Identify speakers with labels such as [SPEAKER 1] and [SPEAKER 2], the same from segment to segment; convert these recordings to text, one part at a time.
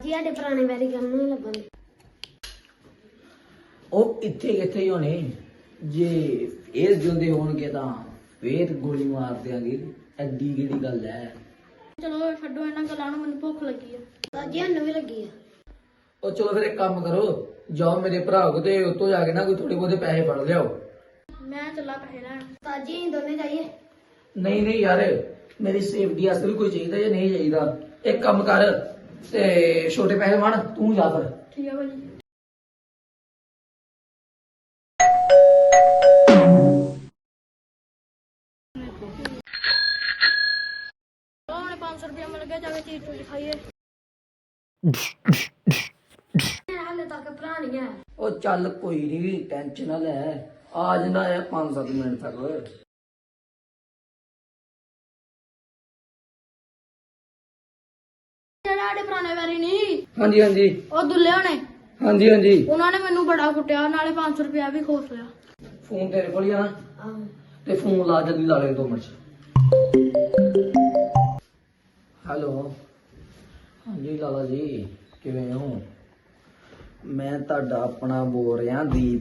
[SPEAKER 1] ਜੀ ਸਾਡੇ ਪੁਰਾਣੇ ਵੈਰੀ ਕਰਨ ਨੂੰ ਲੱਭਣ
[SPEAKER 2] ਉਹ ਇੱਥੇ ਕਿੱਥੇ ਹੀ ਹੋਣੇ ਜੇ ਇਹ ਜਿਉਂਦੇ ਹੋਣਗੇ ਤਾਂ ਫੇਰ ਗੋਲੀ ਮਾਰ ਦਿਆਂਗੇ ਐਡੀ ਕਿਹੜੀ ਗੱਲ ਹੈ।
[SPEAKER 3] ਚਲੋ ਛੱਡੋ ਇਹਨਾਂ ਗੱਲਾਂ ਨੂੰ, ਮੈਨੂੰ ਭੁੱਖ ਲੱਗੀ ਆ।
[SPEAKER 1] ਸਾਜੀ ਸਾਨੂੰ ਵੀ ਲੱਗੀ ਆ।
[SPEAKER 2] ਉਹ ਚਲੋ ਫਿਰ ਇੱਕ ਕੰਮ ਕਰੋ, ਜਾਓ ਮੇਰੇ ਭਰਾ ਕੋ ਤੇ ਉੱਤੋਂ ਜਾ ਕੇ ਨਾ ਕੋਈ ਥੋੜੇ ਬਹੁਤੇ ਪੈਸੇ ਫੜ ਲਿਆਓ।
[SPEAKER 3] ਮੈਂ ਚੱਲਾ ਪੈਸੇ ਲੈਣ।
[SPEAKER 1] ਸਾਜੀ ਅਸੀਂ ਦੋਨੇ ਜਾਈਏ।
[SPEAKER 2] ਨਹੀਂ ਨਹੀਂ ਯਾਰ, ਮੇਰੀ ਸੇਫਟੀ ਵਾਸਤੇ ਵੀ ਕੋਈ ਚਾਹੀਦਾ ਜਾਂ ਨਹੀਂ ਚਾਹੀਦਾ। ਇੱਕ ਕੰਮ ਕਰ ਤੇ ਛੋਟੇ ਪੈਸੇ ਵੰਡ, ਤੂੰ ਜਾ ਫਿਰ।
[SPEAKER 3] ਠੀਕ ਆ ਭਾਜੀ। ਹੁਣ 500 ਰੁਪਇਆ ਮਿਲ ਗਿਆ, ਜਾ ਕੇ ਚੀਜ਼ ਚੂਜ਼ ਖਾਈਏ।
[SPEAKER 1] ਹਾਲੇ ਤੱਕ ਭਰਾ ਨਹੀਂ ਆਇਆ।
[SPEAKER 2] ਉਹ ਚੱਲ ਕੋਈ ਨਹੀਂ, ਟੈਨਸ਼ਨ ਨਾ ਲੈ, ਆ ਜਾਂਦਾ ਹੈ 5-7 ਮਿੰਟ ਤੱਕ।
[SPEAKER 3] ਜਿਹੜੇ ਸਾਡੇ ਪੁਰਾਣੇ ਵੈਰੀ ਨਹੀਂ,
[SPEAKER 2] ਹਾਂਜੀ ਹਾਂਜੀ
[SPEAKER 3] ਉਹ ਦੁੱਲੇ ਹੋਣੇ,
[SPEAKER 2] ਹਾਂਜੀ ਹਾਂਜੀ।
[SPEAKER 3] ਉਹਨਾਂ ਨੇ ਮੈਨੂੰ ਬੜਾ ਕੁੱਟਿਆ, ਨਾਲੇ 500 ਰੁਪਇਆ ਵੀ ਖੋਸ ਲਿਆ।
[SPEAKER 2] ਫੋਨ ਤੇਰੇ ਕੋਲ ਹੀ ਆ ਨਾ?
[SPEAKER 1] ਆਹੋ।
[SPEAKER 2] ਤੇ ਫੋਨ ਲਾ, ਜਲਦੀ ਲਾ ਲੈ 2 ਮਿੰਟ ਚ। ਹੈਲੋ, ਹਾਂਜੀ ਲਾਲਾ ਜੀ, ਕਿਵੇਂ ਹੋ? ਮੈਂ ਤੁਹਾਡਾ ਆਪਣਾ ਬੋਲ ਰਿਹਾ ਦੀਪ,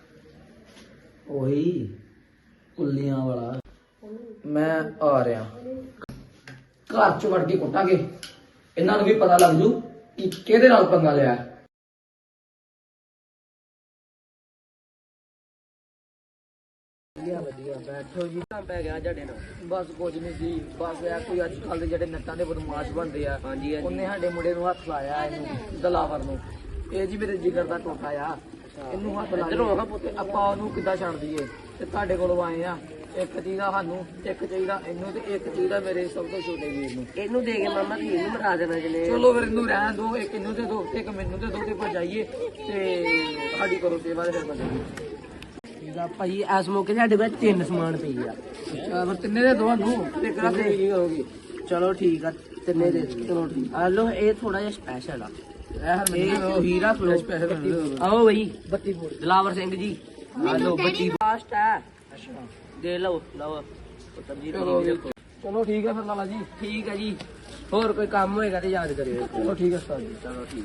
[SPEAKER 2] ਉਹੀ ਕੁੱਲੀਆਂ ਵਾਲਾ। ਮੈਂ ਆ ਰਿਹਾ, ਘਰ ਚ ਵੜ ਕੇ ਕੁੱਟਾਂਗੇ, ਇਹਨਾਂ ਨੂੰ ਵੀ ਪਤਾ ਲੱਗ ਜੂ ਕਿ ਕਿਹਦੇ ਨਾਲ ਪੰਗਾ ਲਿਆ। ਵਧੀਆ ਬੈਠੋ ਜੀ, ਕੰਮ ਪੈ ਗਿਆ ਤੁਹਾਡੇ ਨਾਲ? ਬਸ ਕੁਝ ਨਹੀਂ ਸੀ, ਬਸ ਇਹ ਕੋਈ ਅੱਜ ਕੱਲ ਦੇ ਜਿਹੜੇ ਨੱਟਾਂ ਦੇ ਬਦਮਾਸ਼ ਬਣਦੇ ਆ, ਹਾਂਜੀ ਉਹਨੇ ਸਾਡੇ ਮੁੰਡੇ ਨੂੰ ਹੱਥ ਲਾਇਆ, ਇਹਨੂੰ ਦਲਾਵਰ ਨੂੰ। ਇਹ ਜੀ ਮੇਰੇ ਜਿਗਰ ਦਾ ਟੋਟਾ ਆ, ਇਹਨੂੰ ਹੱਥ ਲਾ ਤੇ ਆਪਾਂ ਉਹਨੂੰ ਕਿੱਦਾਂ ਛੱਡ ਦਈਏ। ਤੇ ਤੁਹਾਡੇ ਕੋਲੋਂ ਆਏ ਆ, ਇੱਕ ਚਾਹੀਦਾ ਸਾਨੂੰ, ਇੱਕ ਚਾਹੀਦਾ ਇਹਨੂੰ, ਤੇ ਇੱਕ ਚਾਹੀਦਾ ਮੇਰੇ ਸਭ ਤੋਂ ਛੋਟੇ ਵੀਰ ਨੂੰ। ਇਹਨੂੰ ਦੇ ਕੇ ਮਾਮਾ ਜੀ ਇਹਨੂੰ ਮਰਾ ਦੇਣਾ ਜਨੇ। ਚਲੋ ਫਿਰ ਇਹਨੂੰ ਰਹਿਣ ਦੋ, ਇੱਕ ਇਹਨੂੰ ਦੇ ਦੋ ਤੇ ਇੱਕ ਮੈਨੂੰ ਦੇ ਦੋ, ਤੇ ਭਜਾਈਏ ਤੇ ਸਾਡੀ ਕਰੋ ਸੇਵਾ ਤੇ ਫਿਰ ਭਜਾਈਏ।
[SPEAKER 4] ਭਾਈ ਇਸ ਮੌਕੇ ਸਾਡੇ ਕੋਲ 3 ਸਮਾਨ ਪਈ ਆ।
[SPEAKER 2] ਫਿਰ ਤਿੰਨੇ ਦੇ ਦੋ ਨੂੰ, ਤੇ ਕਰਾ ਕੇ ਕੀ ਕਰੋਗੇ?
[SPEAKER 4] ਚਲੋ ਠੀਕ ਆ, ਤਿੰਨੇ ਦੇ ਦਿਓ। ਚਲੋ ਠੀਕ ਆ ਲੋ, ਇਹ ਥੋੜਾ ਜਿਹਾ ਸਪੈਸ਼ਲ ਆ।
[SPEAKER 2] ਇਹ ਹੀਰਾ ਫਲੋਸ ਪੈਸੇ
[SPEAKER 4] ਆਓ ਬਈ, ਦਲਾਵਰ ਸਿੰਘ ਜੀ ਆ ਲੋ, ਬੱਤੀ ਫਾਸਟ ਹੈ। ਅੱਛਾ ਦੇ ਲਓ ਲਓ ਪੁੱਤਰ ਜੀ।
[SPEAKER 2] ਚਲੋ ਠੀਕ ਹੈ ਫਿਰ ਲਾਲਾ ਜੀ।
[SPEAKER 4] ਠੀਕ ਆ ਜੀ, ਹੋਰ ਕੋਈ ਕੰਮ ਹੋਏਗਾ ਤੇ ਯਾਦ ਕਰਿਓ।
[SPEAKER 2] ਚਲੋ ਠੀਕ ਹੈ ਉਸਤਾਦ ਜੀ।
[SPEAKER 4] ਚਲੋ ਠੀਕ।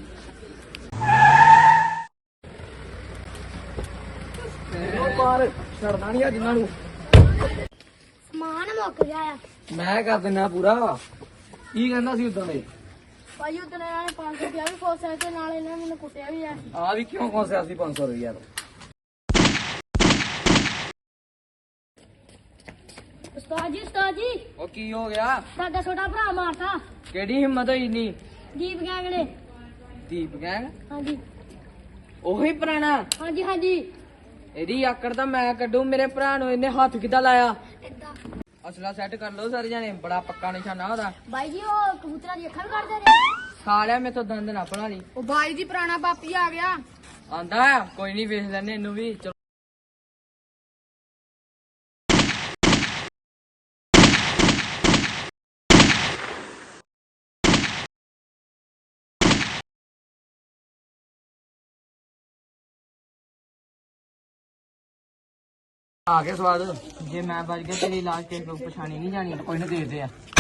[SPEAKER 2] ਬਾਹਰ ਛੱਡਣਾ ਨਹੀਂ ਆ ਜਿੰਨਾਂ ਨੂੰ।
[SPEAKER 1] ਸਮਾਨ ਮੁੱਕ ਗਿਆ ਆ।
[SPEAKER 2] ਮੈਂ ਕਰ ਦਿੰਦਾ ਪੂਰਾ। ਕੀ ਕਹਿੰਦਾ ਸੀ ਉਦਾਂ ਦੇ?
[SPEAKER 3] ਭਾਈ ਉਦੋਂ ਇਹਨਾਂ ਨੇ 500 ਰੁਪਇਆ ਵੀ ਖੋਸਿਆ, ਤੇ ਨਾਲ ਇਹਨਾਂ ਨੇ ਮੈਨੂੰ ਕੁੱਟਿਆ ਵੀ ਆ।
[SPEAKER 2] ਆ ਵੀ ਕਿਉਂ ਕੋਸਿਆ ਸੀ 500 ਰੁਪਇਆ ਤੋਂ?
[SPEAKER 3] ਉਸਤਾਦ ਜੀ
[SPEAKER 2] ਉਹ ਕੀ ਹੋ ਗਿਆ?
[SPEAKER 3] ਸਾਡਾ ਛੋਟਾ ਭਰਾ ਮਾਰਤਾ
[SPEAKER 2] ਕਿਹੜੀ ਹਿੰਮਤ ਹੋਈ ਨਹੀਂ?
[SPEAKER 3] ਦੀਪ ਗੈਂਗ ਨੇ।
[SPEAKER 2] ਦੀਪ ਗੈਂਗ?
[SPEAKER 3] ਹਾਂਜੀ
[SPEAKER 2] ਉਹੀ ਪੁਰਾਣਾ?
[SPEAKER 3] ਹਾਂਜੀ ਹਾਂਜੀ।
[SPEAKER 2] ਇਹਦੀ ਆਕੜ ਤਾਂ ਮੈਂ ਕੱਢੂ, ਮੇਰੇ ਭਰਾ ਨੂੰ ਇਹਨੇ ਹੱਥ ਕਿੱਦਾਂ ਲਾਇਆ? ਅਸਲਾ ਸੈੱਟ ਕਰ ਲਓ ਸਾਰੇ ਜਾਣੇ, ਬੜਾ ਪੱਕਾ ਨਿਸ਼ਾਨਾ ਉਹਦਾ।
[SPEAKER 3] ਬਾਈ ਜੀ ਉਹ ਕਬੂਤਰਾਂ ਦੀ ਅੱਖਾਂ ਵੀ ਕੱਢਦੇ ਨੇ।
[SPEAKER 2] ਸਾਲਿਆ ਮੇਥੋਂ ਦੰਦ ਨਾ ਪੜਾ ਲਈ।
[SPEAKER 3] ਉਹ ਬਾਈ ਜੀ ਪੁਰਾਣਾ ਬਾਪੀ ਆ ਗਿਆ।
[SPEAKER 2] ਆਂਦਾ ਕੋਈ ਨਹੀਂ, ਵੇਖ ਲੈਨੇ ਇਹਨੂੰ ਵੀ। ਚਲੋ ਆ ਗਿਆ ਸਵਾਦ। ਜੇ ਮੈਂ ਬਚ ਗਿਆ ਤੇਰੀ ਲਾਸ਼ ਕਿਸੇ ਕੋਲ ਪਛਾਣੀ ਨਹੀਂ ਜਾਣੀ। ਕੋਈ ਨਾ ਦੇਖਦੇ ਆ।